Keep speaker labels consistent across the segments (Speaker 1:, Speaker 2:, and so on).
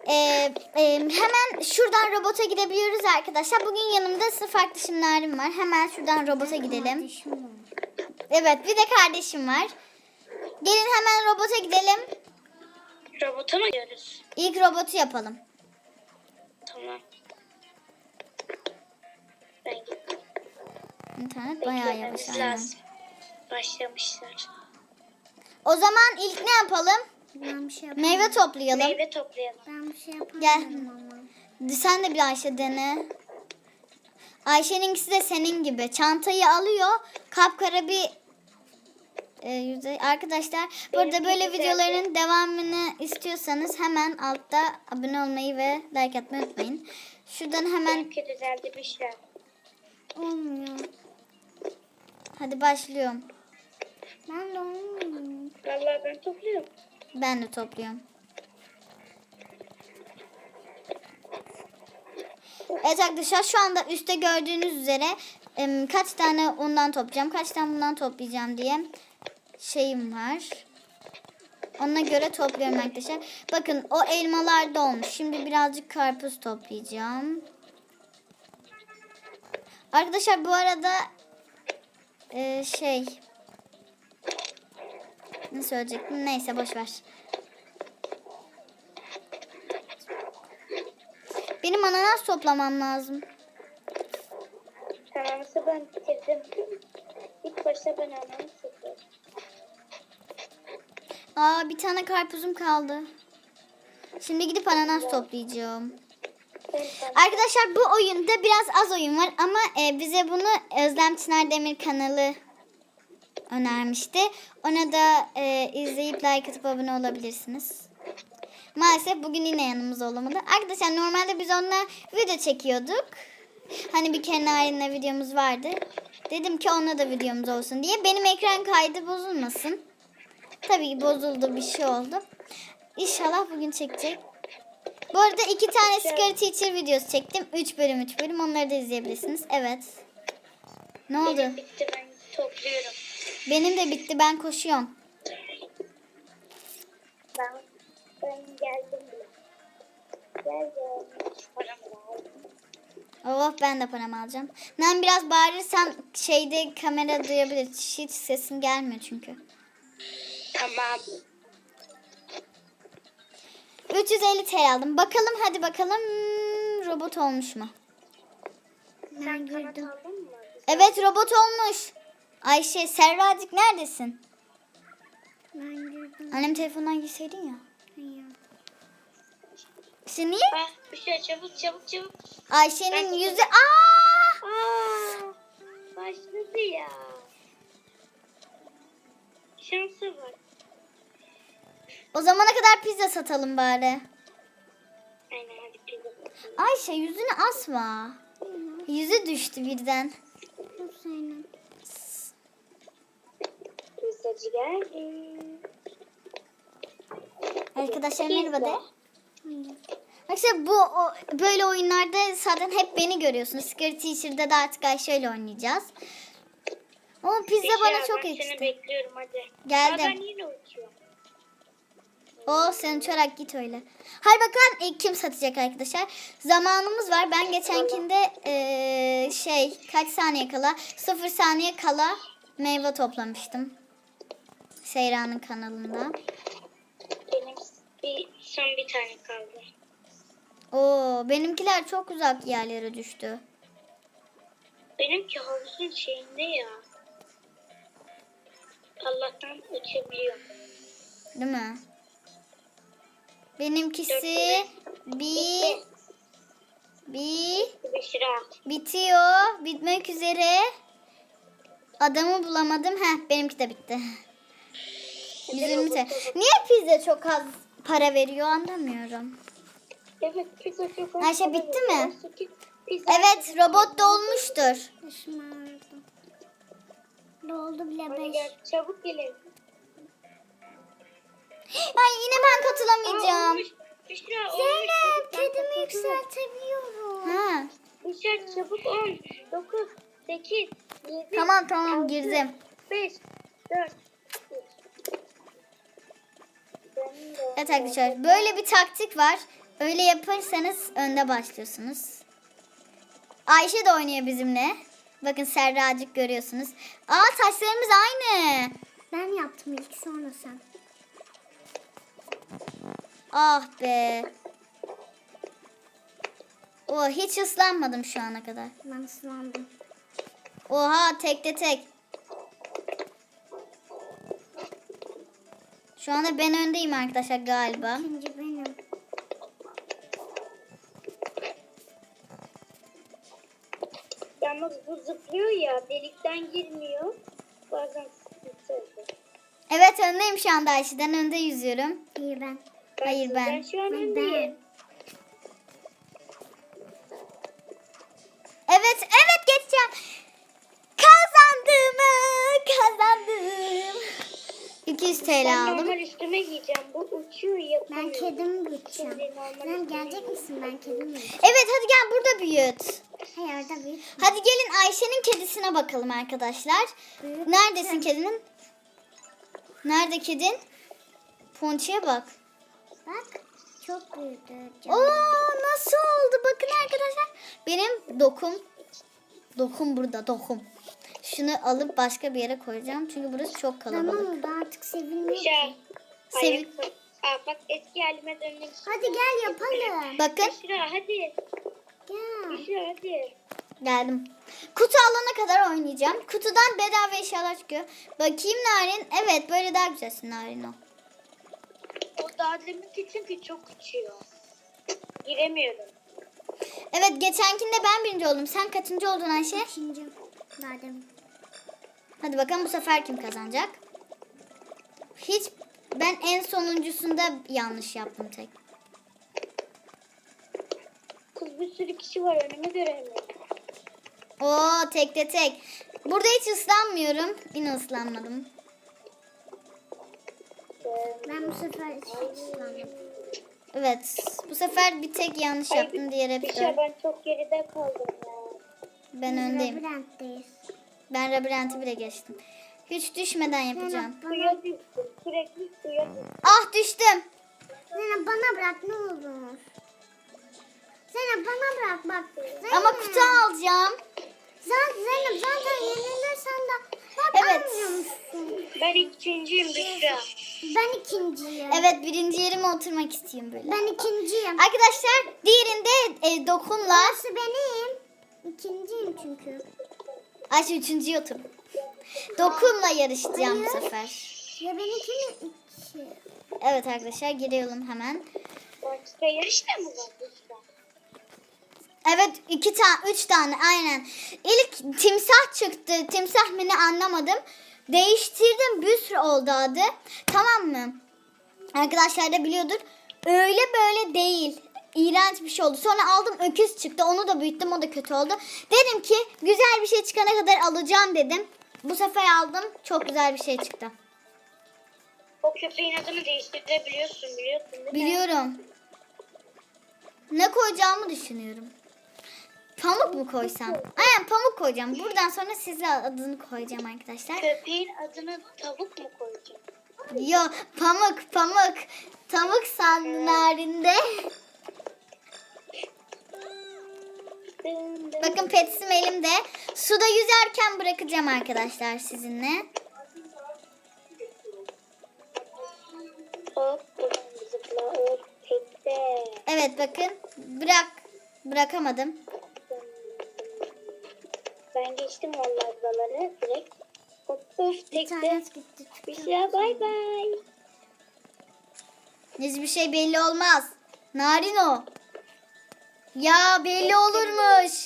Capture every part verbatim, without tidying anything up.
Speaker 1: Ee, e, hemen şuradan robota gidebiliyoruz arkadaşlar. Bugün yanımda sınıf arkadaşımlarım var. Hemen şuradan robota gidelim. Evet, bir de kardeşim var. Gelin hemen robota gidelim.
Speaker 2: Robota mı gidiyoruz?
Speaker 1: İlk robotu yapalım.
Speaker 2: Tamam. Ben gittim.
Speaker 1: İnternet bayağı yavaş.
Speaker 2: Beklememiz
Speaker 1: Aynen.
Speaker 2: lazım. Başlamışlar.
Speaker 1: O zaman ilk ne yapalım?
Speaker 3: Ben bir şey yapamam.
Speaker 1: Meyve toplayalım.
Speaker 2: Meyve toplayalım.
Speaker 3: Ben bir şey yapamam
Speaker 1: Gel.
Speaker 3: ama.
Speaker 1: Sen de bir Ayşe dene. Ayşe'ninkisi de senin gibi. Çantayı alıyor. Kapkara bir e, yüzey. Arkadaşlar burada
Speaker 2: Benimki
Speaker 1: böyle
Speaker 2: güzeldi.
Speaker 1: videoların devamını istiyorsanız hemen altta abone olmayı ve like atmayı unutmayın. Şuradan hemen
Speaker 2: Benimki düzeldi bir şey.
Speaker 3: Olmuyor.
Speaker 1: hadi başlıyorum.
Speaker 3: Ben de olmuyor.
Speaker 2: Vallahi ben topluyorum.
Speaker 1: Ben de topluyorum. Evet arkadaşlar şu anda üstte gördüğünüz üzere em, kaç tane ondan toplayacağım, kaç tane bundan toplayacağım diye şeyim var. Ona göre topluyorum arkadaşlar. Bakın o elmalar da olmuş. Şimdi birazcık karpuz toplayacağım. Arkadaşlar bu arada e, şey ne söyleyecektim? Neyse boş ver. Benim ananas toplamam lazım.
Speaker 2: Ananası ben bitirdim. İlk başta ben ananı topladım.
Speaker 1: Aa bir tane karpuzum kaldı. Şimdi gidip ananas toplayacağım.
Speaker 2: Ben ben
Speaker 1: Arkadaşlar bu oyunda biraz az oyun var ama e, bize bunu Özlem Çınar Demir kanalı önermişti. Ona da e, izleyip like atıp abone olabilirsiniz. Maalesef bugün yine yanımız olamadı. Arkadaşlar normalde biz onunla video çekiyorduk. Hani bir kere Narin'le videomuz vardı. Dedim ki onunla da videomuz olsun diye. Benim ekran kaydı bozulmasın. Tabii ki bozuldu, bir şey oldu. İnşallah bugün çekecek. Bu arada iki tane Scary Teacher videosu çektim. üç bölüm üç bölüm. Onları da izleyebilirsiniz. Evet. Ne oldu?
Speaker 2: benim bitti ben topluyorum.
Speaker 1: Benim de bitti. Ben koşuyorum.
Speaker 2: Ben ben geldim bile. Geldim. Param lazım.
Speaker 1: Oh ben de paramı alacağım. Ben biraz bağırırsam şeyde kamera duyabilir. Hiç sesim gelmiyor çünkü.
Speaker 2: Tamam.
Speaker 1: üç yüz elli T L aldım. Bakalım hadi bakalım hmm, robot olmuş mu?
Speaker 2: Sen kanat aldın mı?
Speaker 1: Evet robot olmuş. Ayşe Serracık neredesin?
Speaker 3: Ben girdim.
Speaker 1: Annem telefondan girseydin ya.
Speaker 3: Hayır.
Speaker 1: İşte niye?
Speaker 2: Ah, bir şey çabuk çabuk çabuk.
Speaker 1: Ayşe'nin
Speaker 2: Ben-
Speaker 1: yüzü... Aa!
Speaker 2: Aa, başladı ya. Şansa bak.
Speaker 1: O zamana kadar pizza satalım bari.
Speaker 2: Aynen hadi pizza.
Speaker 1: Ayşe yüzünü asma. Yüzü düştü birden.
Speaker 3: Bu senin.
Speaker 2: Pizzacı geldi.
Speaker 1: Arkadaşlar merhaba de.
Speaker 3: Hayır.
Speaker 1: Arkadaşlar bu o, böyle oyunlarda zaten hep beni görüyorsunuz. Scary Teacher'da da artık Ayşe ile oynayacağız. Ama pizza
Speaker 2: Büşra,
Speaker 1: bana çok
Speaker 2: ben seni
Speaker 1: ekşi.
Speaker 2: bekliyorum hadi.
Speaker 1: Geldim.
Speaker 2: Aa, ben yine uçuyorum.
Speaker 1: O sen uçarak git öyle. Hadi bakalım ilk kim satacak arkadaşlar. Zamanımız var. Ben geçenkinde eee, şey kaç saniye kala sıfır saniye kala meyve toplamıştım. Seyra'nın kanalında.
Speaker 2: Benim bir, son bir tane kaldı.
Speaker 1: Oo benimkiler çok uzak yerlere düştü.
Speaker 2: Benimki havuzun şeyinde ya. Allah'tan uçabiliyorum.
Speaker 1: Değil mi? Benimkisi bir bir
Speaker 2: Büşra.
Speaker 1: bitiyor. Bitmek üzere. Adamı bulamadım. Heh benimki de bitti. yüz yirmi T L. Niye pizza çok az para veriyor anlamıyorum.
Speaker 2: Evet pizza çok az.
Speaker 1: Ayşe, bitti mi?
Speaker 2: Pizza.
Speaker 1: Evet robot da olmuştur.
Speaker 3: Başım ağrıdı. Doldu bile
Speaker 2: Hadi
Speaker 3: beş.
Speaker 2: gel çabuk gelin.
Speaker 1: Ay yine ben katılamayacağım.
Speaker 2: Olmuş. Büşra
Speaker 3: Zeynep
Speaker 2: olmuş.
Speaker 3: kedimi
Speaker 2: Çabuk, ben
Speaker 3: yükseltebiliyorum.
Speaker 1: Ha.
Speaker 2: Büşra çabuk on. dokuz, sekiz, yedi.
Speaker 1: Tamam tamam girdim.
Speaker 2: beş, dört,
Speaker 1: Evet arkadaşlar böyle bir taktik var. Öyle yaparsanız önde başlıyorsunuz. Ayşe de oynuyor bizimle. Bakın Serracık görüyorsunuz. Aa taşlarımız aynı.
Speaker 3: Ben yaptım ilk sonra sen.
Speaker 1: Ah be. Oh hiç ıslanmadım şu ana kadar.
Speaker 3: Ben ıslandım.
Speaker 1: Oha tekte tek. Şu anda ben öndeyim arkadaşlar galiba.
Speaker 3: İkinci benim.
Speaker 2: Yalnız bu zıplıyor ya, delikten girmiyor. Bazen sıkıntı oluyor.
Speaker 1: Evet öndeyim şu anda Ayşe'den önde yüzüyorum.
Speaker 3: İyi ben.
Speaker 1: Hayır ben.
Speaker 2: Ben şu an
Speaker 3: Ben-
Speaker 2: öndeyim.
Speaker 1: Evet evet geçeceğim. Kazandım. Kazandım. iki yüz T L
Speaker 2: Ben
Speaker 1: aldım.
Speaker 2: normal üstüme giyeceğim. Bu uçuyor
Speaker 3: Ben
Speaker 2: yapamıyor.
Speaker 3: kedimi büyüteceğim.
Speaker 2: Şimdi normal
Speaker 3: Sen
Speaker 2: üstüme
Speaker 3: gelecek misin? Ben kedimi büyüteceğim.
Speaker 1: Evet hadi gel burada büyüt.
Speaker 3: Hayır orada büyüt.
Speaker 1: Hadi gelin Ayşe'nin kedisine bakalım arkadaşlar.
Speaker 3: Büyüt.
Speaker 1: Neredesin kedinin? Nerede kedin? Ponçiye bak.
Speaker 3: Bak çok büyüdü.
Speaker 1: Oo nasıl oldu? Bakın arkadaşlar. Benim dokum. Dokum burada dokum. Şunu alıp başka bir yere koyacağım. Çünkü burası çok kalabalık.
Speaker 3: Tamam oldu artık sevilmiyor
Speaker 2: Şey,
Speaker 3: ki.
Speaker 1: Sevin.
Speaker 2: ayakkabı. Aa, bak eski halime döndüm.
Speaker 3: Hadi gel yapalım.
Speaker 1: Bakın
Speaker 2: Büşra hadi.
Speaker 3: Gel.
Speaker 2: Büşra hadi.
Speaker 1: geldim. Kutu alana kadar oynayacağım. Kutudan bedava eşyalar çıkıyor. Bakayım Narin. Evet böyle daha güzelsin Narin o.
Speaker 2: O daha deminki çünkü çok uçuyor. Giremiyorum.
Speaker 1: Evet geçenkinde ben birinci oldum. Sen kaçıncı oldun Ayşe?
Speaker 3: İkinci. Madem.
Speaker 1: Hadi bakalım bu sefer kim kazanacak? Hiç ben en sonuncusunda yanlış yaptım tek.
Speaker 2: Kız bir sürü kişi var, önümü göremiyorum.
Speaker 1: Oo tekte tek. Burada hiç ıslanmıyorum. Yine ıslanmadım.
Speaker 3: Ben bu sefer hiç ıslandım.
Speaker 1: Evet. Bu sefer bir tek yanlış yaptım. Diğer hep
Speaker 2: Büşra
Speaker 1: doğru.
Speaker 2: ben çok geride kaldım ya.
Speaker 1: Ben
Speaker 3: Biz
Speaker 1: öndeyim.
Speaker 3: labirentteyiz.
Speaker 1: Ben labirenti bile geçtim. Hiç düşmeden yapacağım.
Speaker 3: Zeynep bana,
Speaker 2: Suya düştüm. Sürekli suya düştüm.
Speaker 1: Ah düştüm.
Speaker 3: Zeynep bana bırak ne olur. Zeynep bana bırak bak. Zeynep.
Speaker 1: Ama kutu alacağım.
Speaker 3: Zaten Zeynep zaten yenilirsen de bak
Speaker 1: Evet.
Speaker 3: almıyor musun?
Speaker 2: Ben ikinciyim Büşra.
Speaker 3: Ben ikinciyim.
Speaker 1: Evet birinci yerime oturmak istiyorum böyle.
Speaker 3: Ben ikinciyim.
Speaker 1: Arkadaşlar diğerinde e, dokunla.
Speaker 3: Burası benim. İkinciyim çünkü.
Speaker 1: Ayşe üçüncüye otur. Dokunla yarışacağım bu
Speaker 3: Hayır.
Speaker 1: sefer.
Speaker 3: Ya benimki mi iki?
Speaker 1: Evet arkadaşlar giriyorum hemen.
Speaker 2: Başka yarış da mı var Büşra?
Speaker 1: Evet iki tane üç tane aynen. İlk timsah çıktı. Timsah mı ne anlamadım. Değiştirdim bir sürü oldu adı. Tamam mı? Arkadaşlar da biliyordur. Öyle böyle değil. İğrenç bir şey oldu. Sonra aldım öküz çıktı. Onu da büyüttüm. O da kötü oldu. Dedim ki güzel bir şey çıkana kadar alacağım dedim. Bu sefer aldım. Çok güzel bir şey çıktı.
Speaker 2: O köpeğin adını değiştirebiliyorsun biliyorsun değil mi?
Speaker 1: Biliyorum. Ne koyacağımı düşünüyorum. Pamuk mu koysam? Aynen pamuk koyacağım. Buradan sonra size adını koyacağım arkadaşlar.
Speaker 2: Köpeğin adını tavuk mu koyacağım?
Speaker 1: Yo pamuk pamuk. Pamuk sanlarinde.
Speaker 2: Dın dın.
Speaker 1: Bakın petsim elimde. Suda yüzerken bırakacağım arkadaşlar sizinle.
Speaker 2: Hop buradan zıpla hop tekte.
Speaker 1: Evet bakın. Bırak. Bırakamadım.
Speaker 2: Ben geçtim vallahi buraları direkt. Hop hop
Speaker 3: Bir
Speaker 2: tekte.
Speaker 3: tane gitti.
Speaker 2: Büşra bay bay.
Speaker 1: Hiçbir şey belli olmaz. Narin o. Ya belli olurmuş.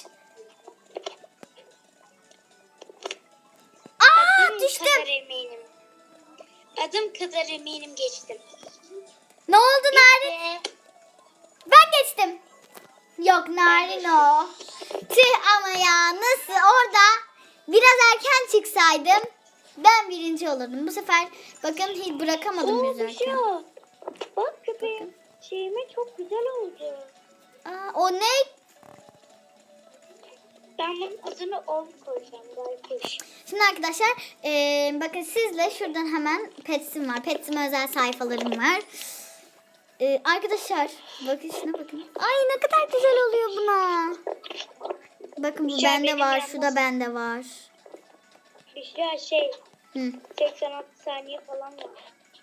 Speaker 1: Aa
Speaker 2: Adım
Speaker 1: düştüm.
Speaker 2: kadar eminim. Adım kadar eminim geçtim.
Speaker 1: Ne oldu Narin?
Speaker 2: Ve
Speaker 1: Ben geçtim. Yok Narin o. Tüh ama ya nasıl orada biraz erken çıksaydım ben birinci olurdum. Bu sefer bakın hiç bırakamadım
Speaker 2: Oo,
Speaker 1: yüzerken.
Speaker 2: Büşra. Bak köpeğim. Şeyime çok güzel oldu.
Speaker 1: Aa, o ne?
Speaker 2: Ben bunun adını Ol koyacağım. Belki.
Speaker 1: Şimdi arkadaşlar eee, bakın sizle şuradan hemen Pets'im var. Pets'ime özel sayfalarım var. Ee, arkadaşlar bakın şuna bakın. Ay ne kadar güzel oluyor buna. Bakın bu
Speaker 2: Şu an
Speaker 1: bende
Speaker 2: benim
Speaker 1: var.
Speaker 2: yalnız-
Speaker 1: Şu da bende var.
Speaker 2: Büşra şey
Speaker 1: Hı.
Speaker 2: seksen altı saniye falan var.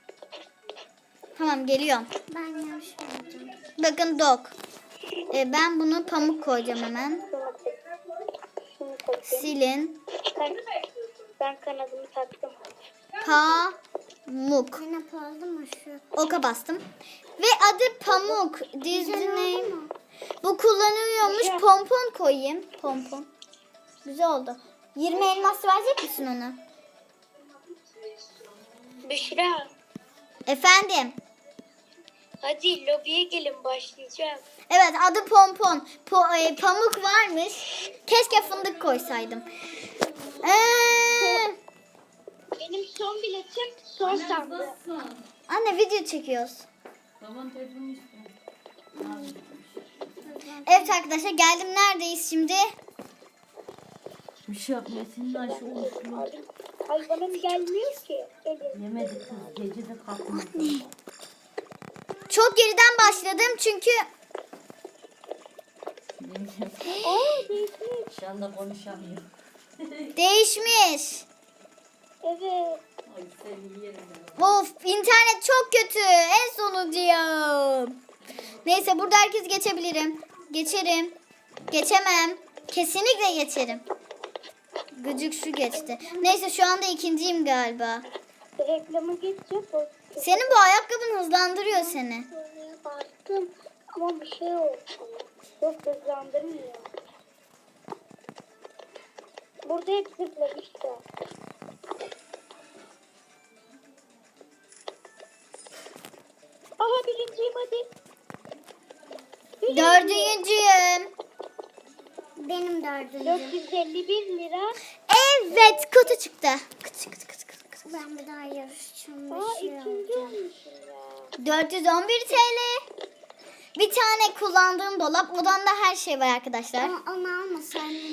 Speaker 1: Tamam geliyorum.
Speaker 3: Ben yanlış yaptım.
Speaker 1: Bakın dog. Ee, ben bunu pamuk koyacağım hemen.
Speaker 2: Şunu tak. Şunu takayım.
Speaker 1: Silin.
Speaker 2: Ben, ben kanadımı taktım.
Speaker 1: Pamuk.
Speaker 3: Zeynep oldu mu şu?
Speaker 1: Oka bastım. Ve adı Pamuk.
Speaker 3: Güzel
Speaker 1: Disney.
Speaker 3: oldu mu?
Speaker 1: Bu kullanılıyormuş.
Speaker 2: Güzel.
Speaker 1: Pompon koyayım. Pompon. Güzel oldu. yirmi elmas verecek misin ona?
Speaker 2: Büşra
Speaker 1: Efendim.
Speaker 2: hadi lobiye gelin başlayacağım.
Speaker 1: Evet adı Pompon. Po- e, pamuk varmış. Keşke fındık koysaydım. Ee,
Speaker 2: Benim son biletim son sandı.
Speaker 1: anne video çekiyoruz.
Speaker 4: Baban telefonu istiyor.
Speaker 1: Evet arkadaşlar geldim. Neredeyiz şimdi?
Speaker 4: Bir şey yapmıyor. Senin Ayşe oluşuyor.
Speaker 2: Hayvanım gelmiyor ki. Elin.
Speaker 4: Yemedi kız. Gece de kalkmadı.
Speaker 1: Çok geriden başladım çünkü
Speaker 2: Aa değişmiş.
Speaker 4: Şu anda konuşamıyor.
Speaker 1: değişmiş.
Speaker 2: Evet.
Speaker 4: Ay seni yerim ben.
Speaker 1: Of internet çok kötü. En sonuncuyum. Neyse burada herkes geçebilirim. Geçerim. Geçemem. Kesinlikle geçerim. Gıcık şu geçti. Neyse şu anda ikinciyim galiba.
Speaker 2: Reklamı geçecek. o-
Speaker 1: Senin bu ayakkabın hızlandırıyor seni.
Speaker 2: Bastım ama bir şey oldu. Yok hızlandırmıyor. Burada hep zıplamışlar. Aha birinciyim hadi.
Speaker 1: Dördüncüyüm.
Speaker 3: Benim dördüncüm.
Speaker 2: dört yüz elli bir lira.
Speaker 1: Evet kutu çıktı. Kıt kıt kıt kıt kıt.
Speaker 3: Ben bir daha yarışacağım.
Speaker 2: Aa
Speaker 3: Bir şey
Speaker 2: ikinci
Speaker 3: alacağım.
Speaker 2: olmuşum ya.
Speaker 1: dört yüz on bir T L. Bir tane kullandığım dolap. Odamda her şey var arkadaşlar.
Speaker 3: Ama onu almasaydın.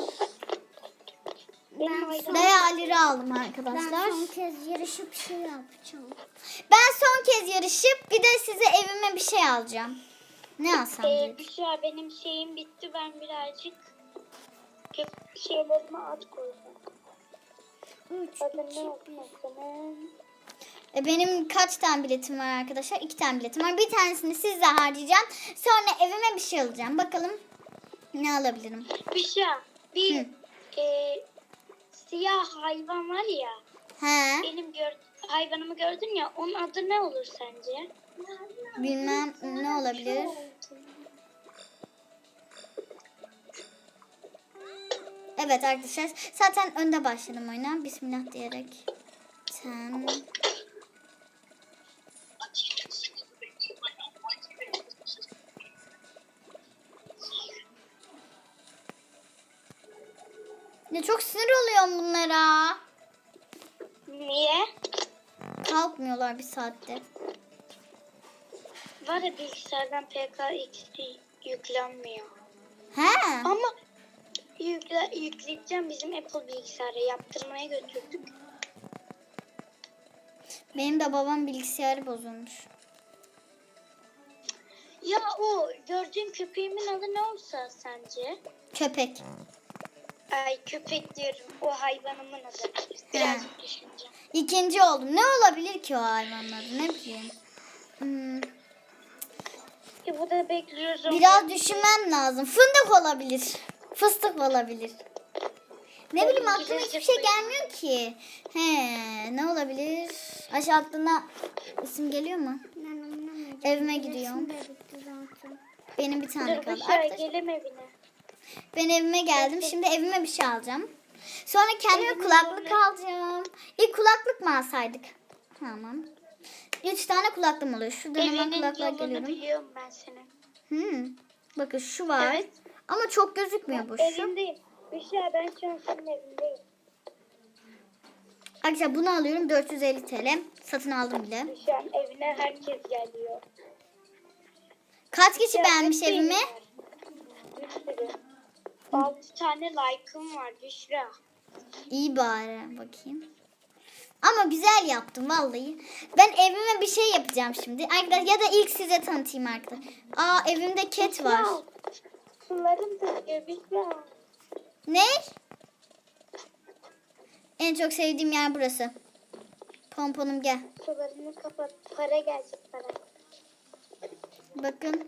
Speaker 2: Benim
Speaker 3: Ben
Speaker 2: hayvanım.
Speaker 3: son,
Speaker 1: Bayağı lira aldım
Speaker 3: ben
Speaker 1: arkadaşlar.
Speaker 3: son kez yarışıp bir şey yapacağım.
Speaker 1: Ben son kez yarışıp bir de size evime bir şey alacağım. Ne alsam
Speaker 2: Ee,
Speaker 1: diye.
Speaker 2: Büşra benim şeyim bitti. Ben birazcık köp- şeylerime at koyacağım.
Speaker 3: Üç,
Speaker 2: Adını
Speaker 3: iki,
Speaker 2: ne
Speaker 3: bir.
Speaker 2: yapmasın?
Speaker 1: E, Benim kaç tane biletim var arkadaşlar? İki tane biletim var. Bir tanesini sizle harcayacağım. Sonra evime bir şey alacağım. Bakalım ne alabilirim.
Speaker 2: Büşra bir
Speaker 1: Hı.
Speaker 2: e, siyah hayvan var ya.
Speaker 1: He,
Speaker 2: Benim gör, hayvanımı gördün ya. Onun adı ne olur sence?
Speaker 1: bilmem ne olabilir. Evet arkadaşlar. Zaten önde başladım oyuna. Bismillah diyerek. Sen... Ne çok sinir oluyorum bunlara.
Speaker 2: Niye?
Speaker 1: Kalkmıyorlar bir saatte.
Speaker 2: Var ya bilgisayardan P K X P yüklenmiyor.
Speaker 1: He.
Speaker 2: Ama yükle, yükleyeceğim bizim Apple bilgisayara yaptırmaya götürdük.
Speaker 1: Benim de babam bilgisayarı bozulmuş.
Speaker 2: Ya o gördüğün köpeğimin adı ne olsa sence?
Speaker 1: Köpek.
Speaker 2: Ay köpek diyorum. O hayvanımın adı. Birazcık düşüneceğim.
Speaker 1: İkinci oldum. Ne olabilir ki o hayvanların? Ne bileyim. Hmm,
Speaker 2: E bu da bekliyoruz. onu.
Speaker 1: biraz düşünmem lazım. Fındık olabilir. Fıstık olabilir. Ne bileyim aklıma hiçbir şey gelmiyor ki. He, ne olabilir? Ayşe aklına isim geliyor mu?
Speaker 3: Ben anlamadım.
Speaker 1: Evime gidiyorum.
Speaker 3: Resim de bitti zaten.
Speaker 1: Benim bir tane
Speaker 2: Dur
Speaker 1: kaldı.
Speaker 2: Büşra
Speaker 1: Arkadaşlar,
Speaker 2: gelem evine.
Speaker 1: ben evime geldim. Şimdi evime bir şey alacağım. Sonra kendime
Speaker 2: Evine
Speaker 1: kulaklık
Speaker 2: böyle-
Speaker 1: alacağım. İlk kulaklık mı alsaydık? Tamam. Üç tane kulaklığım oluyor. Şuradan hemen
Speaker 2: Evinin
Speaker 1: kulaklığa
Speaker 2: yolunu
Speaker 1: geliyorum.
Speaker 2: biliyorum ben senin.
Speaker 1: Hmm. Bakın şu var.
Speaker 2: Evet.
Speaker 1: Ama çok gözükmüyor bu. Şu.
Speaker 2: Evindeyim. Büşra ben şu an senin evindeyim.
Speaker 1: Arkadaşlar bunu alıyorum. dört yüz elli T L. Satın aldım bile.
Speaker 2: Şu an evine herkes geliyor.
Speaker 1: Kaç kişi
Speaker 2: Ya,
Speaker 1: beğenmiş
Speaker 2: bir
Speaker 1: evimi?
Speaker 2: var. Bir sürü. Altı tane like'ım var Büşra.
Speaker 1: İyi bari. Bakayım. Ama güzel yaptım vallahi. Ben evime bir şey yapacağım şimdi. Arkadaşlar ya da ilk size tanıtayım arkadaşlar. Aa evimde ket var.
Speaker 2: Ya, sularım döküyor Büşra.
Speaker 1: Ne? En çok sevdiğim yer burası. Pomponum gel.
Speaker 2: Sularını kapat. Para gelecek para.
Speaker 1: Bakın.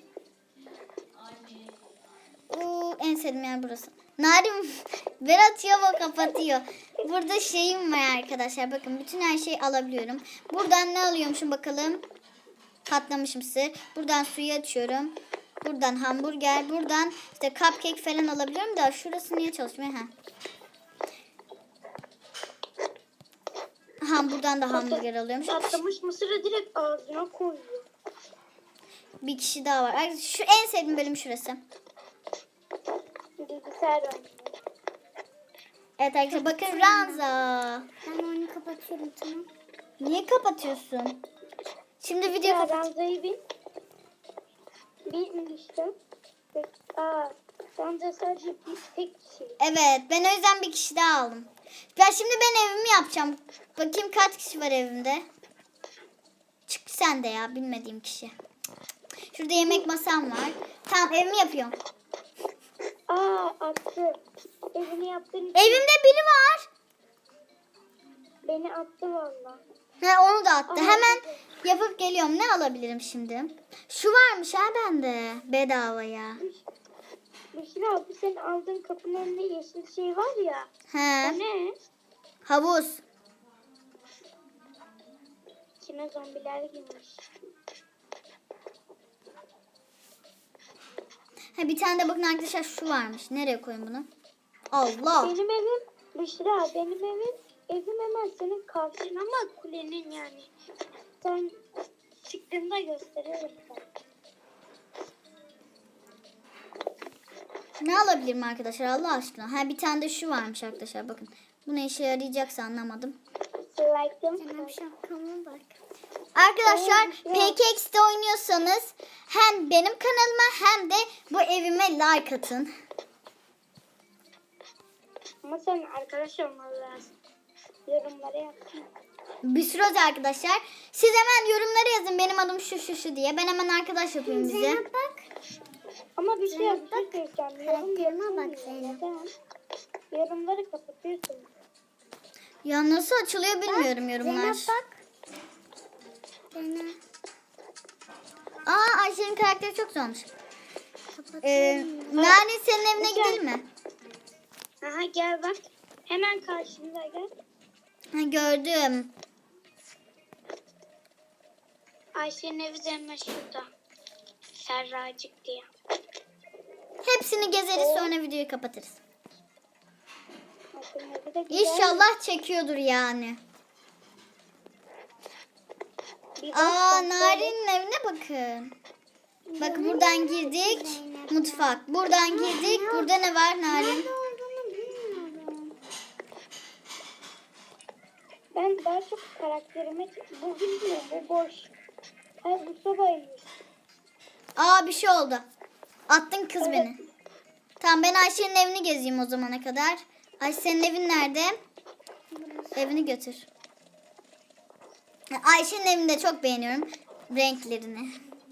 Speaker 1: Oo, en sevdiğim yer burası. Narin Berat Yava kapatıyor. Burada şeyim var arkadaşlar. Bakın bütün her şeyi alabiliyorum. Buradan ne alıyormuşum bakalım. Katlamış mısır. Buradan suyu açıyorum. Buradan hamburger. Buradan işte cupcake falan alabiliyorum da şurası niye çalışmıyor? Ha. Ha buradan da hamburger alıyormuş.
Speaker 2: Patlamış mısırı direkt ağzına koyuyor.
Speaker 1: Bir kişi daha var. Ay, şu en sevdiğim bölüm şurası.
Speaker 2: Bilgisayar oynuyor.
Speaker 1: Evet arkadaşlar bakın Ranza.
Speaker 3: Ben onu kapatıyorum tamam.
Speaker 1: Niye kapatıyorsun? Şimdi video
Speaker 2: Ya
Speaker 1: kapat.
Speaker 2: Ranza'yı bin. Bin işte. Aa, Ranza sadece bir tek kişi.
Speaker 1: Evet ben o yüzden bir kişi daha aldım. Ben şimdi ben evimi yapacağım. Bakayım kaç kişi var evimde. Çık sen de ya bilmediğim kişi. Şurada yemek masam var. Tamam evimi yapıyorum.
Speaker 2: Aa, attı. Evini yaptığın için
Speaker 1: Evimde biri var.
Speaker 2: beni attı valla.
Speaker 1: Ha, onu da attı.
Speaker 2: Aa,
Speaker 1: Hemen yapıp geliyorum. Ne alabilirim şimdi? Şu varmış ha bende. Bedavaya.
Speaker 2: Büşra abi senin aldığın kapının önünde yeşil şey var ya.
Speaker 1: He.
Speaker 2: O ne?
Speaker 1: Havuz.
Speaker 2: İçine zombiler girmiş.
Speaker 1: Ha, bir tane de bakın arkadaşlar şu varmış. Nereye koyayım bunu? Allah.
Speaker 2: Benim evim Büşra benim evim evim hemen senin karşın ama kulenin yani. Sen çıktığında gösteririm sana.
Speaker 1: Ne alabilirim arkadaşlar Allah aşkına? Ha bir tane de şu varmış arkadaşlar bakın. Bu ne işe yarayacaksa anlamadım.
Speaker 2: Like'ım.
Speaker 3: Sana bir şapkama bak.
Speaker 1: Arkadaşlar
Speaker 2: Evet,
Speaker 1: P K X'de oynuyorsanız hem benim kanalıma hem de bu evime like atın.
Speaker 2: Ama sen arkadaş olmalı lazım. Yorumlara yapsın.
Speaker 1: Bir sürü özel arkadaşlar. Siz hemen yorumlara yazın benim adım şu şu şu diye. Ben hemen arkadaş yapayım size.
Speaker 3: Zeynep bak.
Speaker 2: Ama bir şey bir şey söyleyeceğim. Yorum
Speaker 3: karakterime bak
Speaker 2: yapılmıyor.
Speaker 3: Zeynep.
Speaker 2: Neden? Yorumları kapatıyorsun.
Speaker 1: Ya nasıl açılıyor bilmiyorum yorumlar.
Speaker 3: Zeynep bak. Zeynep.
Speaker 1: Aa Ayşe'nin karakteri çok güzelmiş.
Speaker 3: Kapatıyorum.
Speaker 1: Ee, Nani senin evine
Speaker 2: Güzel.
Speaker 1: gidelim mi?
Speaker 2: Aha gel bak. Hemen karşımda gel.
Speaker 1: Ha, gördüm.
Speaker 2: Ayşe'nin evi de hemen şurada. Serracık diye.
Speaker 1: Hepsini gezeriz sonra videoyu kapatırız.
Speaker 2: Ayşe'nin evi de güzel.
Speaker 1: İnşallah çekiyordur yani.
Speaker 2: Bir bak
Speaker 1: Aa
Speaker 2: bak,
Speaker 1: Nari'nin evine bakın. Bak buradan girdik. Mutfak. Buradan girdik. Burada ne var Narin?
Speaker 3: Nerede olduğunu bilmiyorum.
Speaker 2: Ben daha çok karakterime bu bilmiyorum bu boş. Hayır bu sobaymış.
Speaker 1: Aa bir şey oldu. Attın kız beni. Tamam ben Ayşe'nin evini gezeyim o zamana kadar. Ayşe senin evin nerede? Evini götür. Ayşe'nin evini de çok beğeniyorum. Renklerini.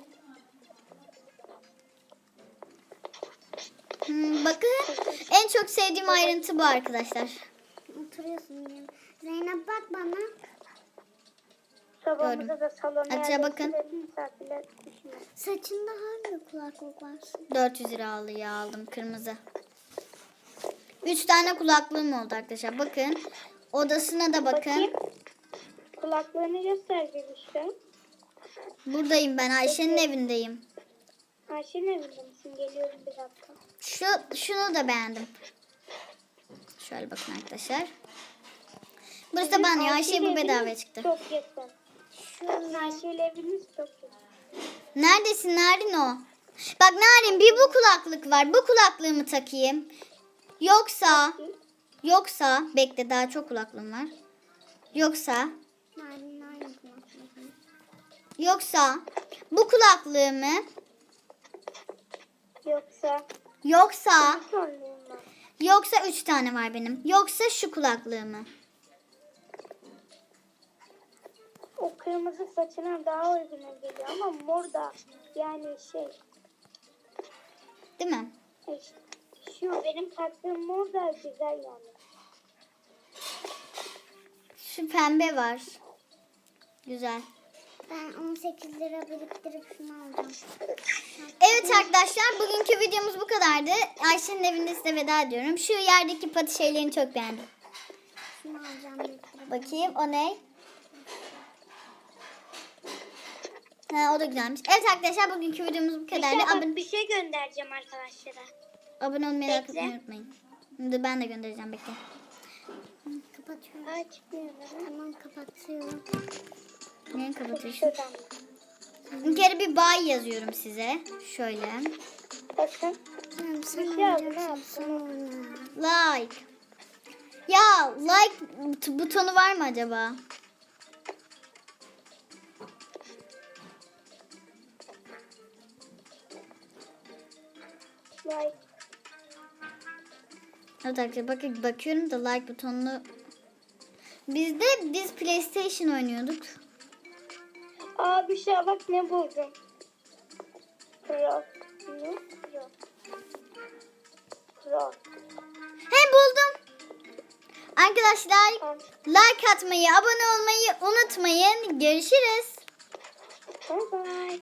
Speaker 1: Hmm, bakın en çok sevdiğim ayrıntı bu arkadaşlar.
Speaker 3: Oturuyorsun yine. Zeynep bak bana.
Speaker 2: Sobamızda da salona
Speaker 1: Hadi bakın.
Speaker 2: yerleştirelim, misafirler düşmez.
Speaker 3: Saçında hangi kulaklık var?
Speaker 1: dört yüz lira alıyor aldım kırmızı. üç tane kulaklığım oldu arkadaşlar. Bakın. Odasına da bakın.
Speaker 2: Bakayım. Kulaklarını göster gelişte.
Speaker 1: Buradayım ben. Ayşe'nin evindeyim.
Speaker 2: Ayşe'nin evinde misin? Geliyorum bir dakika.
Speaker 1: Şu şunu da beğendim. Şöyle bakın arkadaşlar. Burası da banyo. Ayşe bu bedavaya çıktı.
Speaker 2: Çok yakın. Şu Ayşe'yle eviniz çok yakın.
Speaker 1: Neredesin Narin o? Bak Narin bir bu kulaklık var. Bu kulaklığımı takayım. Yoksa yoksa bekle daha çok kulaklığım var. Yoksa
Speaker 3: Narin aynı kulaklık.
Speaker 1: yoksa bu kulaklığımı
Speaker 2: Yoksa
Speaker 1: yoksa
Speaker 2: sorunum var.
Speaker 1: yoksa üç tane var benim. Yoksa şu kulaklığımı.
Speaker 2: kırmızı saçına daha uygun geliyor ama mor da yani şey
Speaker 1: Değil mi?
Speaker 2: işte, şu benim taktığım mor da güzel yani.
Speaker 1: Şu pembe var. Güzel.
Speaker 3: Ben on sekiz lira biriktirip şunu alacağım.
Speaker 1: Evet arkadaşlar, bugünkü videomuz bu kadardı. Ayşe'nin evinde size veda ediyorum. Şu yerdeki pati şeylerini çok beğendim.
Speaker 3: Şunu alacağım biriktirip.
Speaker 1: Bakayım o ne? Ha, o da güzelmiş. Evet arkadaşlar, bugünkü videomuz bu
Speaker 2: Bir şey,
Speaker 1: kadardı.
Speaker 2: bak,
Speaker 1: Abone,
Speaker 2: bir şey göndereceğim arkadaşlara.
Speaker 1: abone olmayı, like
Speaker 2: Bekle.
Speaker 1: atmayı unutmayın. Şimdi ben de göndereceğim, bekle.
Speaker 3: Kapatıyorum.
Speaker 2: Aa çıkmıyor.
Speaker 3: Tamam kapatıyorum.
Speaker 1: Neyi kapatıyorsun?
Speaker 2: Şuradan.
Speaker 1: Bir kere bir bay yazıyorum size. Şöyle.
Speaker 2: Bakın.
Speaker 3: Tamam sen
Speaker 2: Bir şey aldım,
Speaker 3: alacaksın
Speaker 2: ne
Speaker 3: sonra.
Speaker 1: Like. Ya like but- butonu var mı acaba?
Speaker 2: Like.
Speaker 1: Evet arkadaşlar, bakın bakıyorum da like butonunu. Biz de biz PlayStation oynuyorduk.
Speaker 2: Aa bir şey bak ne buldum. Pro. Ne? Pro. Pro.
Speaker 1: He, buldum. Arkadaşlar
Speaker 2: Tamam.
Speaker 1: like atmayı, abone olmayı unutmayın. Görüşürüz.
Speaker 2: Bye bye.